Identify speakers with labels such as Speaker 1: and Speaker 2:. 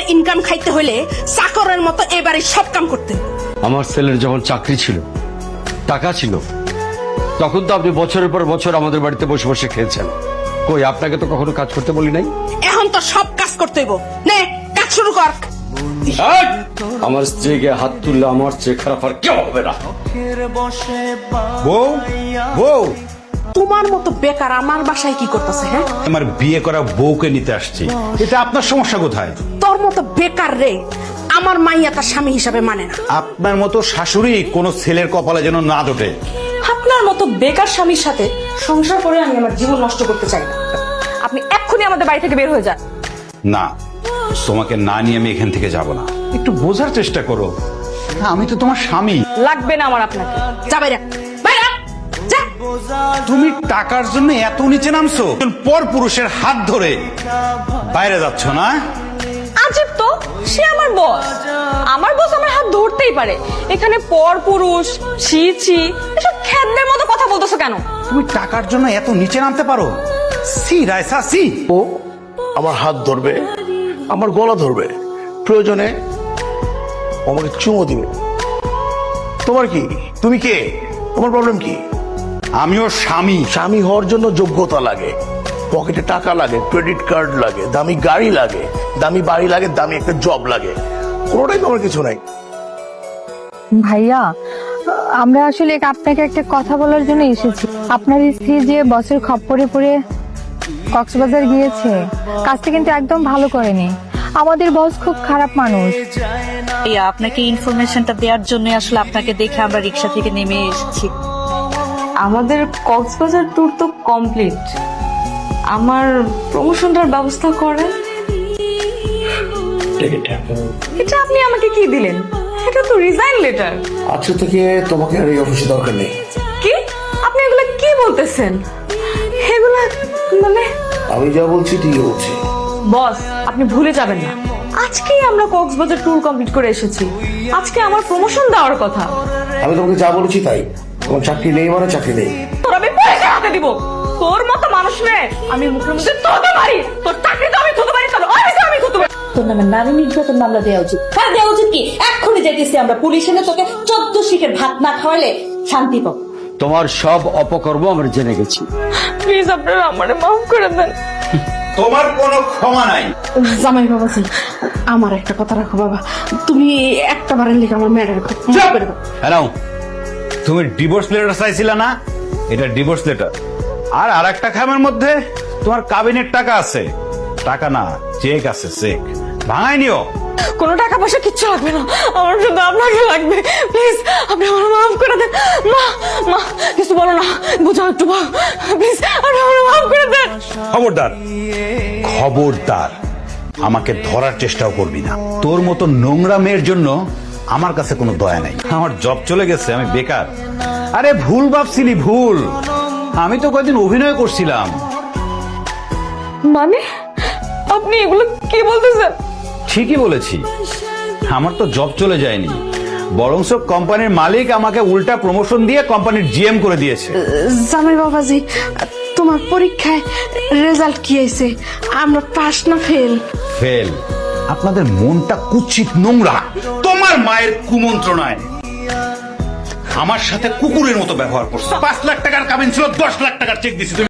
Speaker 1: Income খাইতে হলে চাকরের মতো এবারে সব কাম করতে।
Speaker 2: আমার ছেলের যখন চাকরি ছিল, টাকা ছিল, তখন তো আপনি বছরের পর বছর আমাদের বাড়িতে বসে বসে খেয়েছেন। কই, আপনাকে তো কখনো কাজ করতে বলি নাই।
Speaker 1: এখন তো সব কাজ করতে হইব। নে কাজ শুরু কর।
Speaker 2: আমার স্ত্রীকে হাত তুললে আমার চেয়ে খারাপ আর কেউ হবে না।
Speaker 3: বউ, বউ,
Speaker 1: তোমার মতো বেকার আমার বাসায় কি করতেছে? হ্যাঁ,
Speaker 3: আমার বিয়ে করা বউকে নিতে আসছি। এটা আপনার সমস্যা কোথায়?
Speaker 1: তোর মতো বেকার রে আমার মাইয়া তার স্বামী হিসাবে মানে না।
Speaker 3: আপনার মতো শাশুড়ি কোন ছেলের কপালে যেন না জোটে।
Speaker 4: আপনার মতো বেকার স্বামীর সাথে সংসার করে আমি আমার জীবন নষ্ট করতে চাই না। আপনি এক্ষুনি আমাদের বাড়ি থেকে বের হয়ে যান।
Speaker 3: না, তোমাকে না নিয়ে আমি এখান থেকে যাব না। একটু বোঝার চেষ্টা করো, আমি তো তোমার স্বামী।
Speaker 4: লাগবে না আমার আপনাকে।
Speaker 1: যা বাইরে, বাইরে যা।
Speaker 3: তুমি টাকার জন্য এত নিচে নামছো, পর পুরুষের হাত ধরে বাইরে যাচ্ছ না?
Speaker 4: আজব তো, সে আমার বস। আমার বস আমার হাত ধরতেই পারে। এখানে পর পুরুষ, ছি ছি, এসব খ্যাতদের মতো কথা বলতেছো কেন?
Speaker 3: তুমি টাকার জন্য এত নিচে নামতে পারো? C রায়সা, C.
Speaker 5: ও আমার হাত ধরবে, আমার গলা ধরবে, প্রয়োজনে আমাকে চুমো দিবে। তোমার কি? তুমি কে? তোমার প্রবলেম কি?
Speaker 3: আমিও স্বামী।
Speaker 5: স্বামী হওয়ার জন্য যোগ্যতা লাগে, পকেটে টাকা লাগে, ক্রেডিট কার্ড লাগে, দামি গাড়ি লাগে, দামি বাড়ি লাগে, দামি একটা জব লাগে। কোনোটাই তোমার কিছু নাই।
Speaker 6: ভাইয়া, আমরা আসলে আপনাকে একটা কথা বলার জন্য এসেছি। আপনার স্ত্রী যে বসের খপ্পরে পড়ে কক্সবাজার গিয়েছে, কাজটা কিন্তু একদম ভালো করেনি। আমাদের বস খুব খারাপ মানুষ।
Speaker 7: আপনাকে ইনফরমেশনটা দেওয়ার জন্য আসলে আপনাকে দেখে আমরা রিক্সা থেকে নেমে এসেছি।
Speaker 4: আমাদের কক্সবাজার ট্যুর তো কমপ্লিট। আমার প্রমোশনটার ব্যবস্থা করেন। এটা আপনি আমাকে কি দিলেন? এটা তো রিজাইন লেটার।
Speaker 5: আজকে থেকে তোমাকে আর এই অফিসে দরকার নেই।
Speaker 4: কি? আপনি এগুলো কি বলতেছেন? এগুলা মানে
Speaker 5: আমি যা বলছি ঠিকই বলছি।
Speaker 4: বস, আপনি ভুলে যাবেন না, আজকেই আমরা কক্সবাজার ট্যুর কমপ্লিট করে এসেছি। আজকে আমার প্রমোশন দেওয়ার কথা।
Speaker 5: আমি তোমাকে যা বলেছি তাই। তোমার চাকরি নেই মানে চাকরি নেই।
Speaker 4: তোর আমি পয়সা হাতে দিব। তোর মতো মানুষ রে আমি মুখের মধ্যে তোতে পারি। তোর চাকরি তো আমি থতে পারি, তোর অফিসে আমি থতে পারি।
Speaker 7: তোর নামে নারী নির্যাতন মামলা দেওয়া উচিত। হ্যাঁ, দেওয়া উচিত। কি এক্ষুনি যেতেছি আমরা, পুলিশ এনে তোকে 14 শিখের ভাত না খাওয়ালে শান্তি পাবো।
Speaker 2: তোমার সব অপকর্ম আমরা জেনে গেছি।
Speaker 4: প্লিজ আপনারা আমারে মাফ করে দেন।
Speaker 3: তোমার কোনো ক্ষমা নাই।
Speaker 1: জামাই বাবাজি, আমার একটা কথা রাখো বাবা, তুমি একটা বারের লিখে আমার মেয়ের
Speaker 3: হ্যালো, তুমি ডিভোর্স লেটার চাইছিলা না? এটা ডিভোর্স লেটার। আর আরেকটা খামের মধ্যে তোমার কাবিনের টাকা আছে। টাকা না, চেক আছে, চেক ভাঙাই নিও।
Speaker 4: কোনো টাকা পয়সা কিচ্ছু লাগবে না, আমার শুধু আপনাকে লাগবে। প্লিজ আপনি আমার মাফ করে দেন। মা, মা কিছু বলো না, বুঝাও একটু প্লিজ, আপনি আমার মাফ করে দেন।
Speaker 3: খবরদার, খবরদার, আমাকে ধরার চেষ্টাও করবি না। তোর মতো নোংরা মেয়ের জন্য আমার কাছে কোনো দয়া নাই। আমার জব চলে গেছে, আমি বেকার। আরে ভুল ভাবছিলি, ভুল। আমি তো কয়েকদিন অভিনয় করছিলাম।
Speaker 4: মানে আপনি এগুলো কি বলতেছেন?
Speaker 3: ঠিকই বলেছি, আমার তো জব চলে যায়নি, বরংস কোম্পানির মালিক আমাকে উল্টা প্রমোশন দিয়ে কোম্পানির জিএম করে দিয়েছে।
Speaker 1: জামাই বাবাজি, তোমার পরীক্ষায় রেজাল্ট কি হয়েছে? আমরা পাস না ফেল?
Speaker 3: ফেল। আপনাদের মনটা কুৎসিত, নোংরা। তোমার মায়ের কুমন্ত্রণায় আমার সাথে কুকুরের মতো ব্যবহার করছে। 5 লাখ টাকার কাবিন ছিল, 10 লাখ টাকার চেক দিছি।